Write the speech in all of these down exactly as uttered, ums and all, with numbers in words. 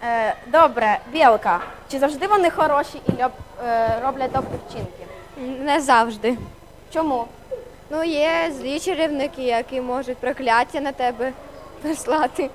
Е, добре, Білка. Чи завжди вони хороші і льоб, е, роблять добрі вчинки? Не завжди. Чому? Ну, є злі чарівники, які можуть прокляття на тебе прислати.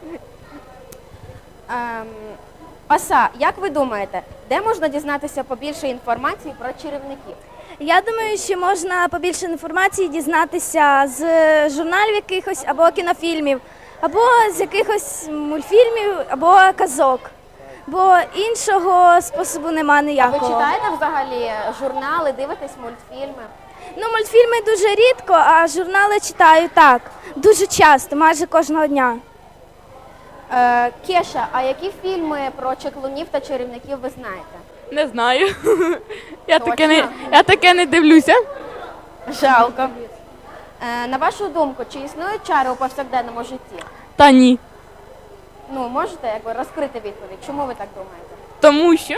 Ем, Оса, як ви думаєте, де можна дізнатися побільше інформації про чарівників? Я думаю, що можна побільше інформації дізнатися з журналів якихось або кінофільмів, або з якихось мультфільмів, або казок. Бо іншого способу нема Ви ніякого. читаєте взагалі журнали, дивитесь мультфільми? Ну, мультфільми дуже рідко, а журнали читаю так, дуже часто, майже кожного дня. Е, Кеша, а які фільми про чаклунів та чарівників ви знаєте? Не знаю. Я Точно? таке не, я таке не дивлюся. Жалко. Е, на вашу думку, чи існують чари у повсякденному житті? Та ні. Ну, можете якби розкрити відповідь? Чому ви так думаєте? Тому що.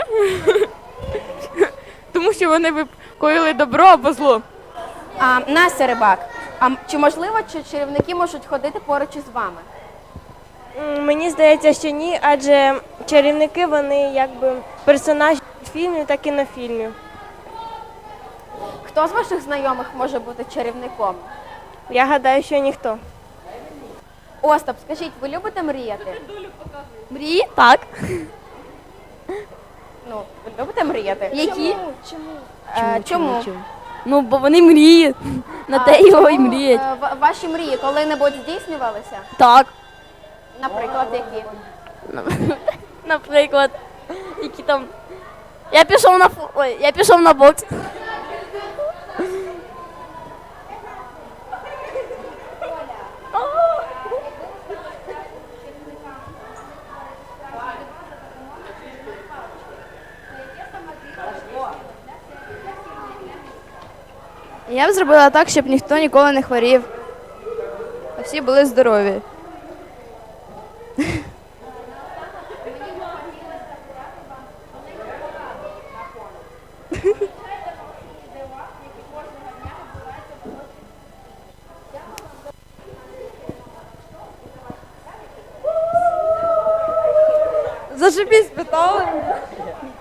Тому що вони б коїли добро або зло. А, Настя Рибак, а м- чи можливо, чи чарівники можуть ходити поруч із вами? М, Мені здається, що ні, адже чарівники вони якби персонажі фільмів та кінофільмів. Хто з ваших знайомих може бути чарівником? Я гадаю, що ніхто. Остап, скажіть, ви любите мріяти? Мрії? Так. Ну, ви любите мріяти? Які? Е, чому? Ну, бо вони мріють. На А те його і чому, мріють. е, ва- Ваші мрії коли-небудь здійснювалися? Так. Наприклад, які? Наприклад, які там. Я пішов на фу- Ой, я пішов на бокс. Я б зробила так, щоб ніхто ніколи не хворів. А всі були здорові. Зашибісь, питали.